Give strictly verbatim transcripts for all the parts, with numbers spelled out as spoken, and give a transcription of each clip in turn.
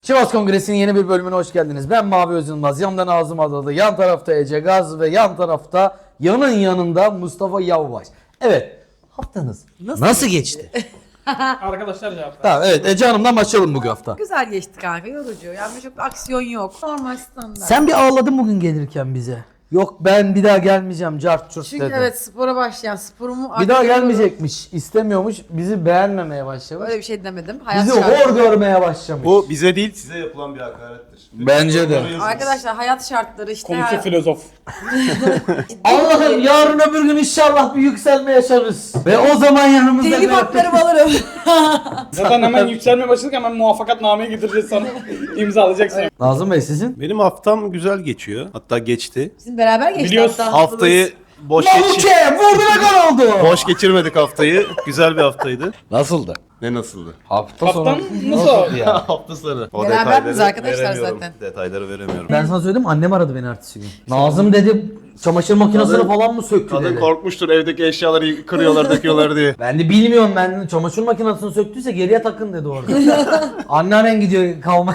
Sivas Kongresi'nin yeni bir bölümüne hoş geldiniz. Ben Mavi Özülmaz, yanımda Nazım Adalı, yan tarafta Ece Gaz ve yan tarafta yanın yanında Mustafa Yavvaş. Evet, haftanız nasıl, nasıl geçti? Arkadaşlar cevap. Tamam, evet, Ece Hanım'dan başlayalım bugün hafta. Güzel geçti kanka, yorucu. Yani çok aksiyon yok. Normal standart. Sen bir ağladın bugün gelirken bize. Yok ben bir daha gelmeyeceğim cart çurt Çünkü dedin. evet spora başlayan sporumu... Bir daha gelmeyecekmiş, istemiyormuş, bizi beğenmemeye başlamış. Öyle bir şey demedim. Hayat Bizi şartları. hor görmeye başlamış. Bu bize değil size yapılan bir hakarettir. Bence de. Arkadaşlar hayat şartları işte. Konusu her- filozof. Allah'ım yarın öbür gün inşallah bir yükselme yaşarız. Ve o zaman yanımızda... Telif haklarımı alırım. Zaten hemen yükselmeye başladık, hemen muvaffakatnameyi getireceğiz sana. İmzalayacaksın. Nazım Bey sizin? Benim haftam güzel geçiyor. Hatta geçti. Bizim beraber geçti Biliyorsun, hatta. Haftayı boş geçir Mamuke vurdu ve gol oldu. boş geçirmedik haftayı. Güzel bir haftaydı. Nasıldı? Ne nasıldı? Hafta Haftan nasıl? ya? Hafta sonu. O Beraber detayları miyiz arkadaşlar veremiyorum. zaten? Detayları veremiyorum. Ben sana söyledim annem aradı beni ertesi gün. Nazım dedi çamaşır makinesini Kadın- falan mı söktü Kadın dedi. korkmuştur evdeki eşyaları kırıyorlar döküyorlar diye. Ben de bilmiyorum ben çamaşır makinesini söktüyse geriye takın dedi orada. Anneannen gidiyor kalma.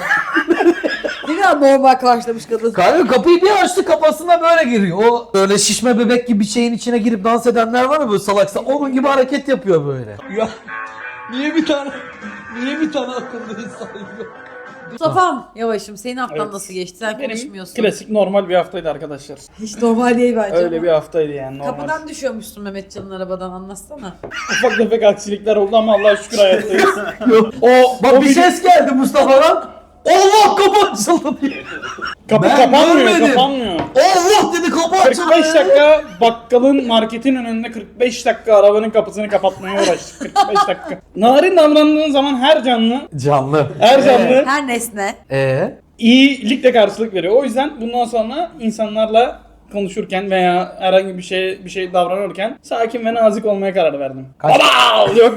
Ne kadar normal karşılamış kadın. Kanka kapıyı bir açtı kafasına böyle giriyor. O böyle şişme bebek gibi bir şeyin içine girip dans edenler var ya böyle salaksa onun gibi hareket yapıyor böyle. Ya niye bir tane niye bir tane akıllı insan yok? Mustafa'm yavaşım senin haftan Evet. nasıl geçti? Sen Benim konuşmuyorsun. klasik normal bir haftaydı arkadaşlar. Hiç normal değil bence. Öyle ama. bir haftaydı yani normal. Kapıdan düşüyormuşsun Mehmetcan'ın arabadan, anlatsana. Ufak tefek aksilikler oldu ama Allah'a şükür hayattayız. o, Bak o bir video- ses geldi Mustafa'dan. Allah kapı açıldı diye. Kapı Ben kapanmıyor, görmedim. kapanmıyor. Allah dedi kapı açıldı. kırk beş dakika bakkalın marketin önünde kırk beş dakika arabanın kapısını kapatmaya uğraştık. kırk beş dakika. Narin davrandığın zaman her canlı, Canlı. her canlı Her nesne. Eee? iyilikle karşılık veriyor. O yüzden bundan sonra insanlarla konuşurken veya herhangi bir şey bir şey davranırken sakin ve nazik olmaya karar verdim. Kaç- Baba! Yok.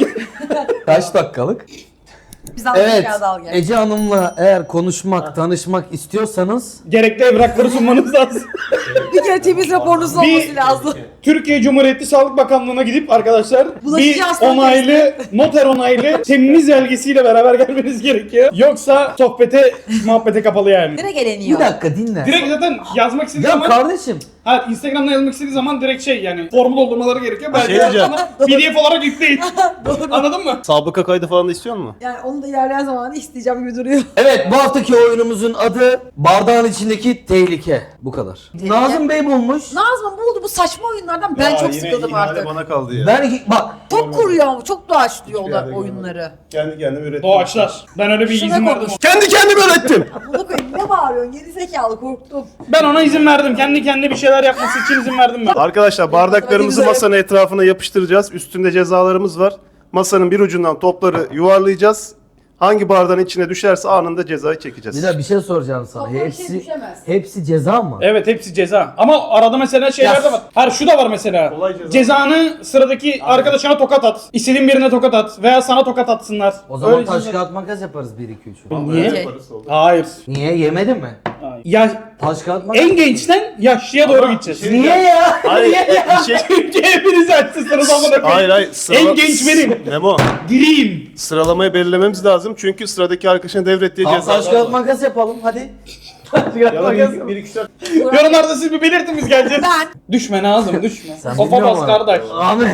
Kaç dakikalık? Biz aldık Evet. kağıdı al gel. Ece Hanım'la eğer konuşmak, tanışmak istiyorsanız Gerekli evrakları sunmanız lazım. Bir kere temiz raporunuz olması lazım. Türkiye Cumhuriyeti Sağlık Bakanlığı'na gidip arkadaşlar Bulaşıcı bir hastalık onaylı, noter onaylı temiz belgesiyle beraber gelmeniz gerekiyor. Yoksa sohbete, muhabbete kapalı yani. Direkt bir eleniyor. dakika dinle. Direkt zaten yazmak istediği Ya zaman, kardeşim ha, Instagram'da yazmak istediği zaman direkt şey yani formu doldurmaları gerekiyor. Belki şey diyeceğim. P D F olarak yükleyin. Anladın mı? Sabıka kaydı falan da istiyor musun? Yani onu da ilerleyen zamanı isteyeceğim gibi duruyor. evet bu haftaki oyunumuzun adı bardağın içindeki tehlike. Bu kadar. Tehlike. Nazım Bey bulmuş. Nazım buldu bu saçma oyunlardan, ben Ya çok yine sıkıldım ihale artık. bana kaldı ya. Ben bak Çok kuruyor, çok doğaçlıyor Hiçbir o yerde oyunları. Kendi kendime ürettim. Doğaçlar. Ben öyle bir Şuna izin verdim. konuş. Kendi kendime ürettim. Bunu koyayım, ne bağırıyorsun geri zekalı, korktum. Ben ona izin verdim. Kendi kendine bir şeyler yapması için izin verdim ben. Arkadaşlar bardaklarımızı Güzel. masanın etrafına yapıştıracağız. Üstünde cezalarımız var. Masanın bir ucundan topları yuvarlayacağız. Hangi bardağın içine düşerse anında cezayı çekeceğiz. bir de bir şey soracağım sana. Toplam bir şey Hepsi düşemez. hepsi ceza mı? Evet hepsi ceza. Ama arada mesela şeyler Ya- de var. Her şu da var mesela. Olay ceza. Cezanı sıradaki arkadaşına tokat at. İstediğin birine tokat at. Veya sana tokat atsınlar. O zaman Öyle taş ceza- kağıt makas yaparız bir iki üç. Niye? Yaparız, oldu. Hayır. Niye yemedin mi? Hayır. Ya Taş kağıt makas. en gençten yaşlıya doğru gideceğiz. şey- Niye ya? Hayır, bir şey... Çünkü hepiniz açsınız amına koyayım. Hayır hayır. Sırala... En genç benim. Memo. Diriyim. Sıralamayı belirlememiz lazım çünkü sıradaki arkadaşın devrettiği Tamam, cezalar taş kağıt var. makas yapalım hadi. Taş kağıt Ya da makas. bir, bir iki üç dört. Yorumlarda siz bir belirtin biz geleceğiz. Ben. Düşme Nazım düşme. Sen Sofa bilmiyor bas musun? kardeş. Ahmet.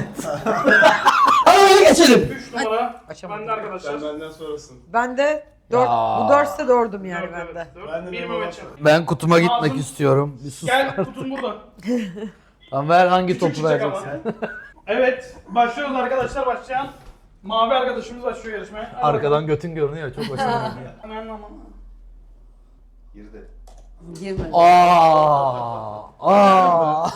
Hadi öyle geçelim. üç numara. Açamadım. Ben de arkadaşlar. Sen benden sonrasın. Ben de dört, Ya. bu dörtse dördüm yani Dört, ben de. evet, dört. Ben de Bir memnun Mehmetcan. Ben kutuma gitmek Nazım. istiyorum. Bir sus. Gel kutun burada. Tamam ver hangi Küçük topu çiçek ama. vereceksin? Evet, başlıyoruz arkadaşlar. Başlayan mavi arkadaşımız başlıyor yarışmaya. Hadi Arkadan götün görünüyor çok hoşuma gidiyor. bakalım. Hemen ama. Girdi. Girmedi. Aa, aa.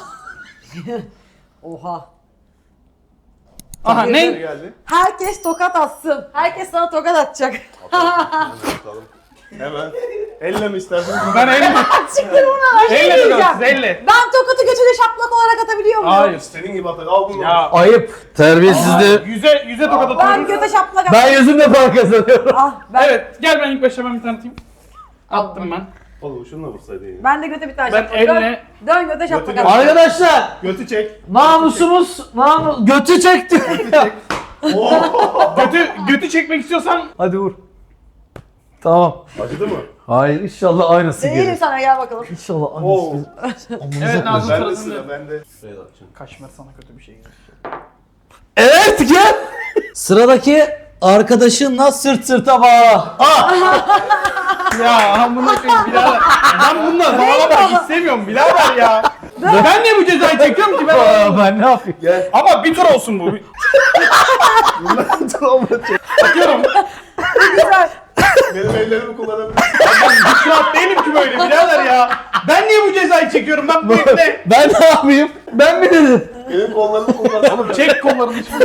Oha. Aha Ne ne? geldi? Herkes tokat atsın. Herkes sana tokat atacak. Bakalım. Hemen. Elle mi istersin? Ben elle. Çıktı buna. Elle diyeceğim. bakalım, elle. Ben tokatı götüne şaplak olarak atabiliyor muyum? Hayır. Senin gibi atak. Al bunu. Ya. Ayıp. Terbiyesizliği. Yüze, yüze tokat Ben atıyorum. göte şaplak at. Ben yüzümle para kazanıyorum. Ah, ben, Evet, gel ben ilk başta ben bir tanıtayım. Attım ben. Oğlum şununla vursaydın ya. ben de göte bir tane Ben şaplak. elle- Dön, dön göte şaplak Götü- at. Arkadaşlar Götü çek. namusumuz namus götü çekti. Götü, götü çekmek istiyorsan Hadi vur. Tamam. Acıdı mı? Hayır inşallah aynısı Değilim gelir. sana gel bakalım. İnşallah Oo. aynısı. Evet Nazım Ben de sırasında. sıra bende. Kaşmer sana kötü bir şey gelir. Evet gel. Sıradaki arkadaşınla sırt sırta bağla. Ah! Ya amına koyayım birader. Ben bununla bağlamak istemiyorum birader ya. Ben niye bu cezayı çekiyorum ki ben? Aa, ben ne yapayım? Gel. Ama bir tur olsun bu. Bundan sonra çek. Atıyorum. Güzel. Benim ellerimi kullanabilirsin. Ben hiç rahat değilim ki böyle birader ya. Ben niye bu cezayı çekiyorum ben bu ipne? Ben ne yapayım? Ben mi dedim? Benim kollarımı kullan. Oğlum çek kollarını şimdi.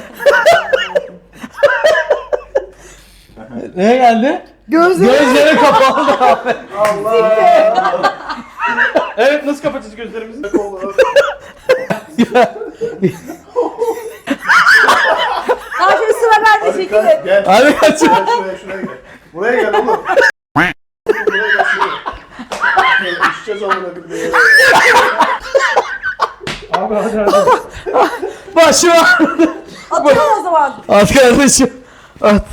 Ne geldi? Gözleri. Gözleri kapalı abi. Allah. Evet nasıl kapatacağız gözlerimizi? Kolları. Ha şimdi sıra bende Hadi çekilin. kalk, gel. Hadi kaç. Gel şuraya şuraya gel. Buraya gel oğlum. Buraya gel şuraya. Düşeceğiz amına koyayım. Abi hadi hadi. Başım ağrıdı. Atıyorum o zaman. At kardeşim. At.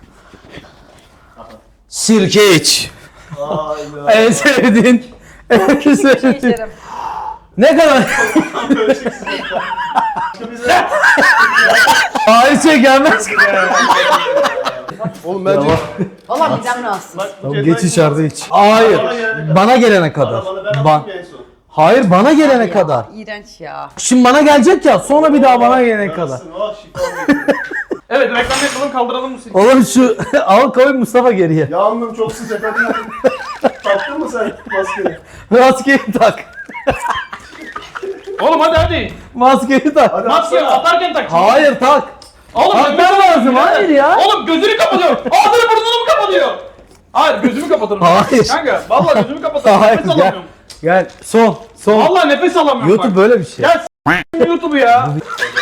Sirke iç. Hayda. En sevdiğin. En Bir şey sevdiğin. içerim. Ne kadar? Böyle çeksin. Bize. Hayır şey gelmez. Oğlum bence. Valla midem rahatsız. Bak, bu Tamam, cezayı- geç içeride iç. Hayır. Bana gelene kadar. Bana gelene kadar. Bana ben Ban. atayım en son. Hayır bana gelene Ya, kadar. İğrenç ya. Şimdi bana gelecek ya sonra bir daha bana gelene kadar. Yarısın, oh, şifa olsun. Evet reklam yapalım kaldıralım bu silkeyi. Oğlum şu al koy Mustafa geriye. Yağmur çok sıcak hadi. Taktın mı sen maskeni? Maskeyi tak. Oğlum hadi hadi. Maskeyi tak. Hadi Maskeyi atsana. atarken tak. Hayır tak. Oğlum Takman nefes lazım, birader. hayır ya. Oğlum gözünü kapatıyor. Ağzını burnunu mu kapatıyor? Hayır gözümü kapatırım. Hayır. Kanka vallahi gözümü kapatırım. Hayır, Nefes gel. alamıyorum. Gel son son. Vallahi nefes alamıyorum YouTube bak. böyle bir şey. Ya s*** YouTube'u ya.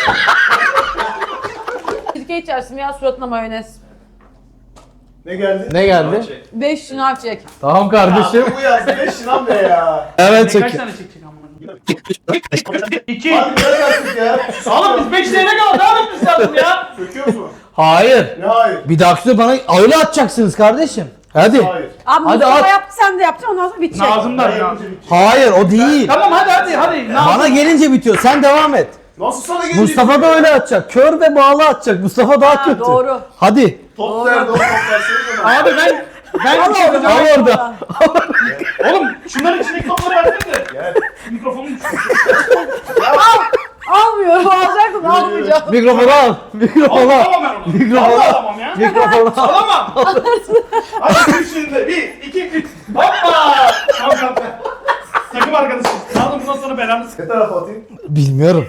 Sirke içersin ya suratına mayonez. Ne geldi? Ne geldi? Beş şınav çek. Tamam kardeşim. Ya, bu yazdı ne şınav ne ya? Evet Kaç çek. tane çekecek amına koyayım? İki. Hadi gel artık ya. Oğlum biz beş tane kaldı. Ne yapıyorsun sen ya? Söküyoruz mu? Hayır. Ne hayır? Bir dahaki bana öyle atacaksınız kardeşim. Hadi. Hayır. Abi Hadi Mustafa at. yaptı sen de yapacaksın ondan sonra bitecek. Nazım'dan Ben ya. yapınca bitecek. Hayır o değil. Tamam hadi hadi hadi. Nazım. Bana gelince bitiyor. Sen devam et. Nasıl sana gelecek? Mustafa da öyle atacak. Kör ve bağlı atacak. Mustafa daha Ha, kötü. doğru. Hadi. Top nerede o top versene bana. Abi ben ben bir şey Al yapacağım. orada. Oğlum şunların içindeki topları versene de. Gel. Mikrofonum düştü. Almıyorum alacaktım almayacağım. Mikrofonu al. Mikrofonu al. Alamam ben onu. Mikrofonu Vallahi al. alamam ya. Mikrofonu al. Alamam. Hadi üç şimdi. Bir, iki, üç. Hoppa. Tamam tamam. Takım arkadaşım. Nazım bundan sonra belanı sık. Ne tarafa atayım? Bilmiyorum.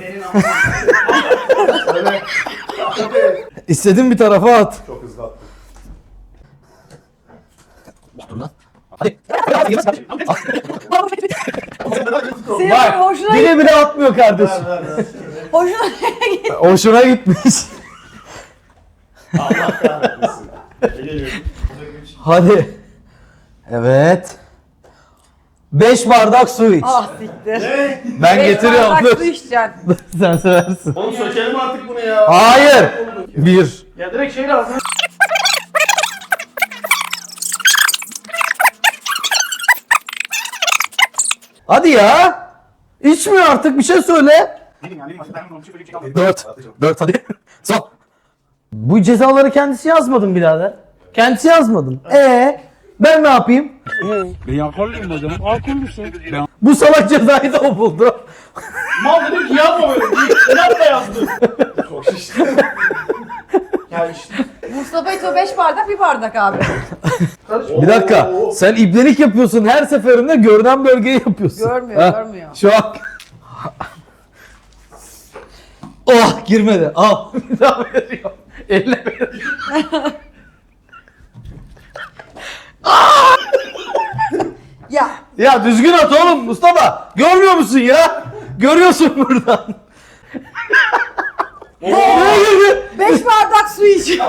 Öyle. Hadi. İstediğin bir tarafa at. Çok hızlı attım. Hadi. Senin Bak. hoşuna Bile bile atmıyor kardeşim. Ver ver ver. hoşuna Hoşuna gitmiş. Allah kahretmesin. Ne geliyor? Hadi. Evet. beş bardak su iç. Ah siktir. Ne? Ben Beş getiriyorum. bardak Dur. su içeceksin. Sen seversin. Oğlum sökelim artık bunu ya. Hayır. Bir. Ya direkt şey lazım. Hadi ya. İçmiyor artık bir şey söyle. Dört. Dört hadi. Son. Bu cezaları kendisi yazmadın birader. Kendisi yazmadın. Ee, ben ne yapayım? Ben alkollüyüm o zaman. Alkollüsün. Ben Bu salak cezayı da o buldu. Mal dedim ki yazma böyle. İnat da yazdı. Çok şişti. Ya işte. Mustafa içiyor beş bardak bir bardak abi. Bir dakika. Oo. Sen ibnelik yapıyorsun her seferinde görünen bölgeyi yapıyorsun. Görmüyor, Ha, görmüyor. Şu an. Oh girmedi. Al. Bir daha veriyorum. Elle veriyorum. Ya Ya düzgün at oğlum Mustafa. Görmüyor musun ya? Görüyorsun buradan. Ne girdi? beş bardak su içiyor.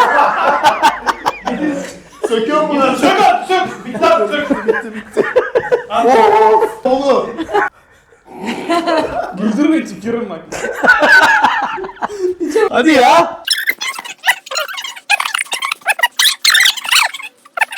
Söküyor mu bunları? Sök at sök. Bitti abi sök. Bitti bitti. Oğlum. Güldürmeyin tükürürüm bak. Hadi ya.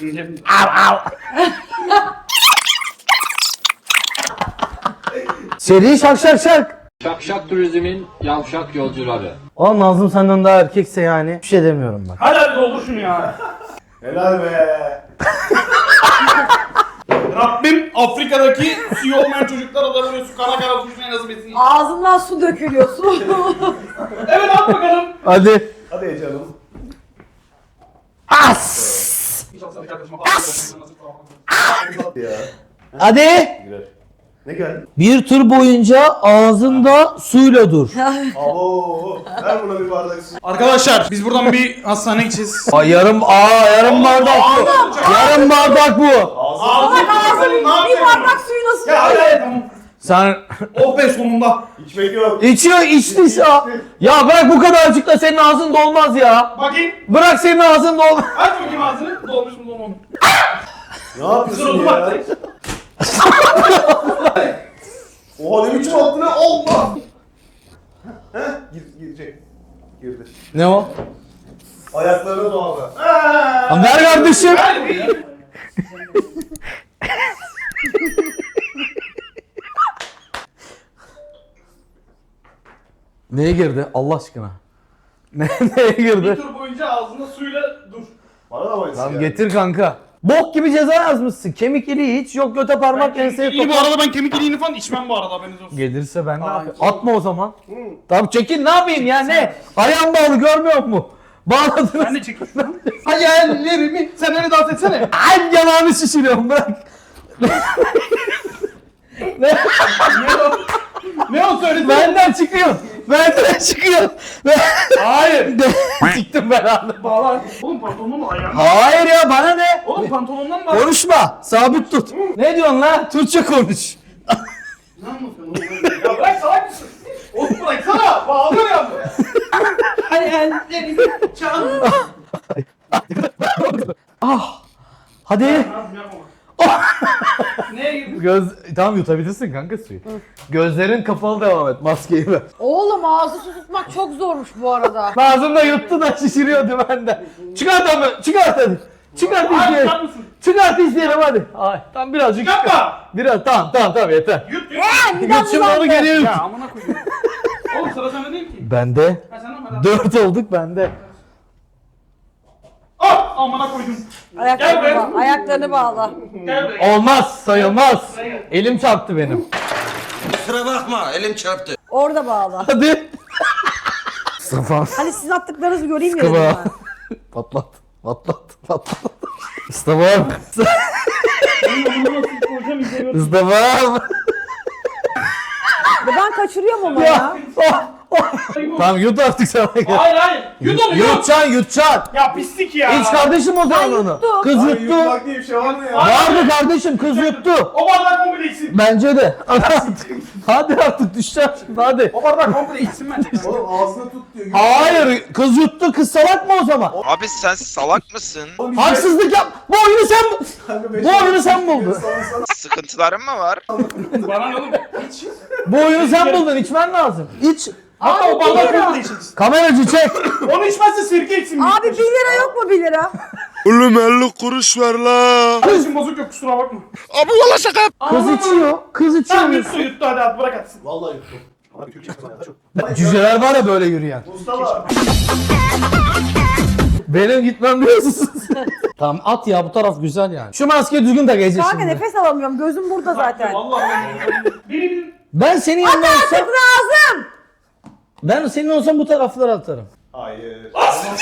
Seri şak şak şak. Şakşak Turizm'in yavşak yolcuları. Oğlum Nazım senden daha erkekse yani bir şey demiyorum bak. Hadi hadi doldur şunu ya. Helal be. Rabbim Afrika'daki suyu olmayan çocuklara da böyle su kara kara su nasip etsin. Ağzından su dökülüyor su. Evet at bakalım. Hadi. Hadi canım. As. Ya. Hadi. Girer. Ne geldi? Bir tur boyunca ağzında suyla dur. Abo. Ver buna bir bardak su. Arkadaşlar biz buradan bir hastaneye gideceğiz. Aa, yarım aa yarım bardak bu. Yarım bardak bu. Ağzını Bir bardak suyu nasıl Ya hadi hadi tamam. Sen Oh be sonunda. İçmek yok. içiyor içti ya. Ya bırak bu kadarcıkla senin ağzın dolmaz ya. Bakayım. Bırak senin ağzın dolmaz. Aç bakayım ağzını. Dolmuş mu dolmamış mı? Ne yapıyorsun Sırıldı ya? bak. Oha ne biçim attı ne? Allah! Heh, gir, girecek. Girdi. Ne o? Ayaklarına doğru. Lan ver kardeşim. Gel bir. Neye girdi Allah aşkına? Ne, neye Bir girdi? tur boyunca ağzında suyla dur. Bana da bayılsın Tamam ya. getir kanka. Bok gibi ceza yazmışsın. Kemik iliği hiç yok göte parmak enseye İyi bu topla. arada ben kemik iliğini falan içmem bu arada haberiniz olsun. Gelirse ben ne Aa, yapayım? tamam. Atma o zaman. Tamam çekil ne yapayım ya ne? Ayağım bağlı görmüyor musun? Bağladınız. Ben de çekiyorum. Hayallerimi. Sen beni dans etsene. Ay yanağını şişiriyorum bırak. Ne o söyledi? Benden çıkıyor. Benden çıkıyor. Ben... Hayır. Çıktım ben anladım. Bağlar. Oğlum pantolonun mu ayağım? Hayır ya bana ne? Oğlum pantolondan bağlar. Konuşma. Sabit tut. Ne diyorsun lan? Türkçe konuş. Ne anlatıyorsun oğlum? Ya bırak salak mısın? Oğlum bıraksana. Bağlıyor ya. Hayallerimi çal. Ah. Hadi. Neye girdin? Göz tamam yutabilirsin kanka suyu. Gözlerin kapalı devam et. Maskeyi ver. Oğlum ağzı su tutmak çok zormuş bu arada. Ağzımda yuttu da şişiriyordu benden. Çıkart ama çıkart hadi. Çıkart Hayır izleyelim. çıkar mısın? Çıkart izleyelim hadi. Ay, tamam birazcık. Çıkartma. Biraz tamam tamam tamam yeter. Yut yut. Yut şimdi onu geriye yut. Ya amına koyayım. Oğlum sıra sende değil ki. Bende. Ha sen ama Dört olduk bende. Ah amına koydum. Gel Ayaklarını, be. bağla, ayaklarını bağla. Gel be. Olmaz sayılmaz. Elim çarptı benim. Kusura bakma elim çarptı. Orada bağla. Hadi. Mustafa. Hani sizin attıklarınızı göreyim ya dedim Mustafa. ben. Patlat. Patlat. Patlat. Mustafa abi. Mustafa abi. Ve ben kaçırıyorum ama ya. Ya. Oh, oh. Tamam yut artık sana gel. Hayır hayır. Yut onu yut. Yutacaksın yutacaksın. Ya pislik ya. İç kardeşim o zaman onu. yuttum. Kız Ay, yuttu. yutmak diye bir şey var mı ya? Vardı kardeşim kız yuttu. O bardak komple içsin. Bence de. Hadi artık düşeceğim şimdi hadi. O bardak komple içsin bence. Oğlum ağzına tut diyor. Hayır kız yuttu kız salak mı o zaman? Abi sen salak mısın? Haksızlık yap. Bu oyunu sen bu oyunu sen buldun. Sıkıntıların mı var? Bana ne oğlum? İç. Bu oyunu sen buldun. İçmen lazım. İç. Hatta o bardak komple içsin. Kameracı çek. Onu içmezse sirke içsin. Abi bir lira yok mu bir lira? Oğlum elli kuruş ver la. Kardeşim bozuk yok kusura bakma. Abi valla şaka. Kız içiyor. Kız Tamam içiyor. yut su yuttu hadi at bırak atsın. Vallahi yuttum. Abi Türkçe sana çok. Cüceler var ya böyle yürüyen. Mustafa. Benim gitmem diyorsun. Tamam at ya bu taraf güzel yani. Şu maskeyi düzgün tak Ece Kanka şimdi. nefes alamıyorum. Gözüm burada zaten. Vallahi ben. Biri bir. Ben senin yanında olsam. Artık lazım. Ben senin olsam bu taraflara atarım. Hayır.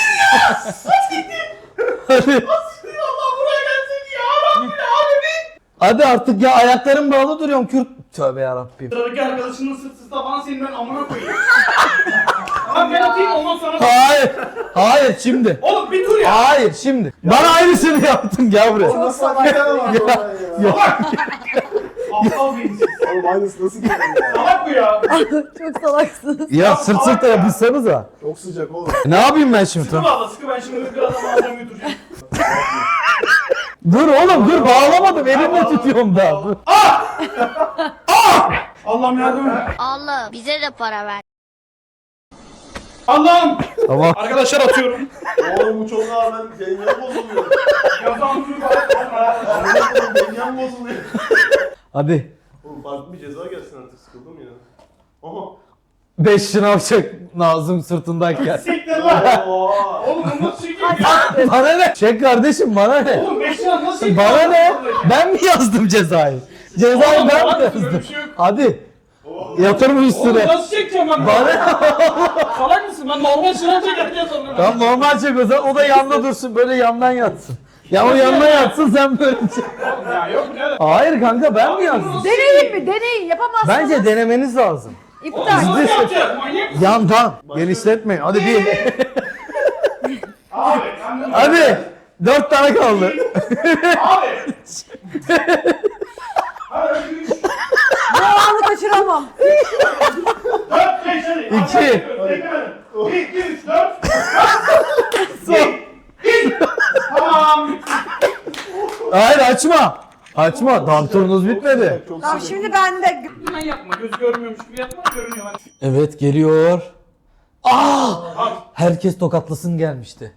Hadi. Allah buraya gelsin ya Rabbim alemin. Hadi artık ya ayaklarım bağlı duruyorum Kürt. Tövbe yarabbim. Sıradaki arkadaşının sırtsız tabanı senin ben amına koyayım. Tamam ben atayım ondan sonra. Hayır. Hayır şimdi. Oğlum bir dur ya. Hayır şimdi. Bana aynısını yaptın gel buraya. Nasıl hakikaten var ya? Salak. Aptal beyinsiz. Oğlum aynısı nasıl geliyor ya? Salak bu ya. Çok salaksınız. Ya sırt sırta yapışsanıza. Çok sıcak oğlum. Ne yapayım ben şimdi? Sıkı bağla sıkı ben şimdi bir adam alacağım götüreceğim. Dur oğlum dur bağlamadım elimle tutuyorum daha. Dur. Allah'ım yardım et. Allah bize de para ver. Allah'ım. Tamam. Arkadaşlar atıyorum. Oğlum bu çok ağır, ben dengem bozuluyor. Yazan Dengem bozuluyor. Hadi. Oğlum farklı bir ceza gelsin artık, sıkıldım ya. Aha. Beş şınav çek Nazım sırtındayken. Siktir lan. Oo. Oğlum bunu nasıl çekeyim? Bana ne? Çek kardeşim bana ne? Oğlum beş lira nasıl çekeyim? Bana ne? Ben mi yazdım cezayı? Cezayı ben mi yazdım? Hadi. Yatır mı Oğlum üstüne? nasıl çekeceğim ben? Bana Salak mısın? Ben normal sınav çekerken sanırım. Tamam normal çek o zaman. O da yanında dursun. Böyle yandan yatsın. Ya o yandan yatsın sen böyle çek. Ya yok ne? Hayır kanka ben mi yazdım? Deneyin mi? Deneyin. Yapamazsınız. Bence denemeniz lazım. İptal. Nasıl yapacağız? Manyak mısın? Yandan. Genişletmeyin. Hadi bir. Abi. ben- Hadi. Dört tane kaldı. Abi. Hadi üç, Bu anı kaçıramam. dört, beş hadi. İki. Tekrar. Bir, iki, üç, dört. Tamam. Hayır açma. Açma. Tam turunuz bitmedi. Tamam şimdi ben de... Hemen yapma. Göz görmüyormuş gibi yapma. Görünüyor lan. Evet geliyor. Aa! Herkes tokatlasın gelmişti.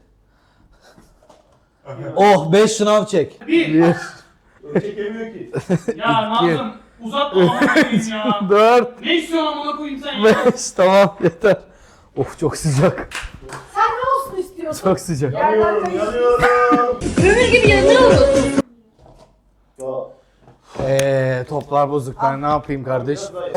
Oh beş şınav çek. Bir. Çekemiyor ki. Ya Nazım uzatma amına koyayım ya. Dört. Ne istiyorsun amına koyayım sen ya? Beş. Tamam yeter. Of çok sıcak. Sen ne olsun istiyorsun? Çok sıcak. Yanıyorum, yanıyorum. Kömür gibi yanıyor musun? Ya. Eee toplar bozuk ben ne yapayım kardeş?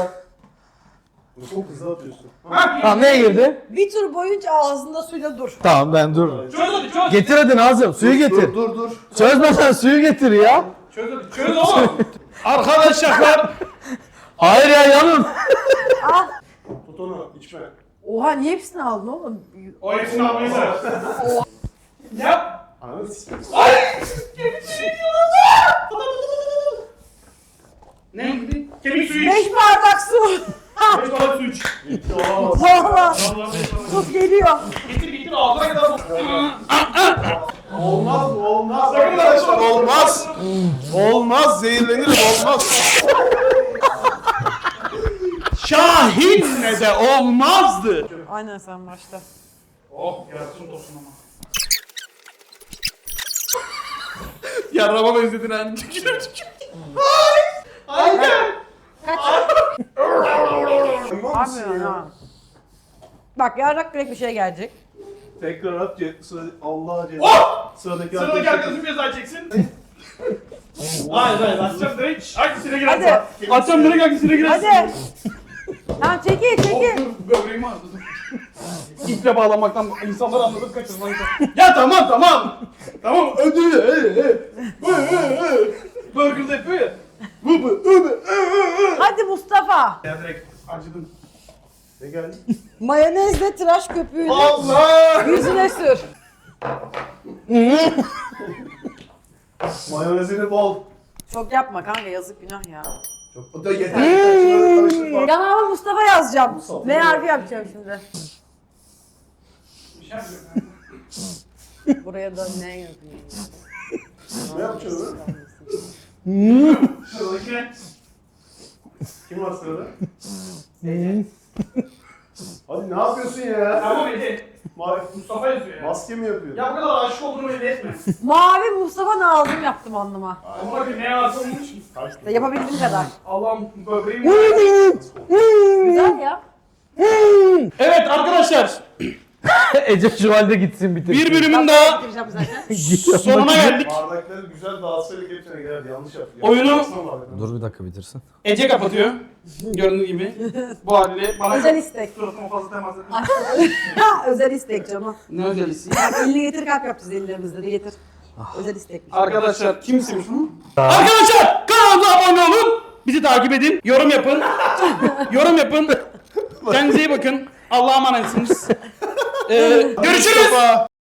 Çok hızlı atıyorsun. Tamam neye girdi? Bir tur boyunca ağzında suyla dur. Tamam ben dur. Çöz hadi çöz. Getir hadi Nazım suyu getir. Dur dur dur. Çözmesen suyu getir ya. Çöz hadi çöz oğlum. Arkadaşlar. Hayır ya yanın. Al. Tut onu, içme. Oha niye hepsini aldın oğlum? O hepsini almayı sever. Yap. Ananı s***. Ne? Kemik suyu iç. Beş bardak su. Beş bardak su iç. Bitti o. Valla. Vallahi beş bardak su. Tut geliyor. Getir getir ağzına kadar. Olmaz mı? Olmaz. Arkadaşlar olmaz. Olmaz. Zehirlenirim olmaz. Şahinle de olmazdı. Aynen sen başla. Oh yarasın tosun ama. Yarrama benzedin hani. Hayır. Abi ya. Bak yarrak direkt bir şey gelecek. Tekrar at. ce- Sıra, Allah ceza. Oh! Sıradaki Sıradaki arkadaşlar. arkadaşım ceza çeksin. Hayır hayır açacağım direkt. Hangisine Hadi. girersin? Açacağım direkt hangisine girersin? Hadi. Tamam çekil çekil. Dur böbreğimi ağrıdı. İple bağlamaktan insanlar anladık kaçırmayı. Ya tamam tamam. Tamam ödü. Burger'da yapıyor ya. Bu bu bu. Hadi Mustafa. Ya direkt acıdım. Ne geldi? Mayonezle tıraş köpüğünü Allah! yüzüne sür. Mayonezini bol. Çok yapma kanka yazık günah ya. Çok. O da yeter. Şunları karıştırma. Yanağıma Mustafa yazacağım. Mustafa. Ne harfi yapacağım şimdi? Bir şey yapıyorum. Buraya da ne yapayım? Ne yapacağız? Sıradaki. Kim var sırada? Hadi ne yapıyorsun ya? Tamam Ece. Ma Mustafa yazıyor ya. maske mi yapıyor? Ya bu kadar aşık olduğunu belli etme. Mavi Mustafa Nazım yaptım anlıma. Ama bak ne varsa olmuş ki. Yapabildiğim kadar. Allah'ım böbreğim. Güzel ya. Evet arkadaşlar. Ece şu halde gitsin bitir. Bir bölümün daha Bitireceğim zaten. sonuna geldik. Bardakları güzel dağıtsaydık hepsine geldi. Yanlış yaptık. Oyunu- Yapmasana bardakları. Dur bir dakika bitirsin. Ece kapatıyor. Gördüğünüz gibi. Bu haliyle bana Özel istek. suratıma fazla temas etme. Ha, özel istek canım. Ne özelisi? Bak elini getir kalp yapacağız ellerimizde de getir. Özel istekmiş. Arkadaşlar kim istemiş bunu? Arkadaşlar kanalımıza abone olun. Bizi takip edin. Yorum yapın. Yorum yapın. Kendinize iyi bakın. Allah'a emanetsiniz. Ee, görüşürüz.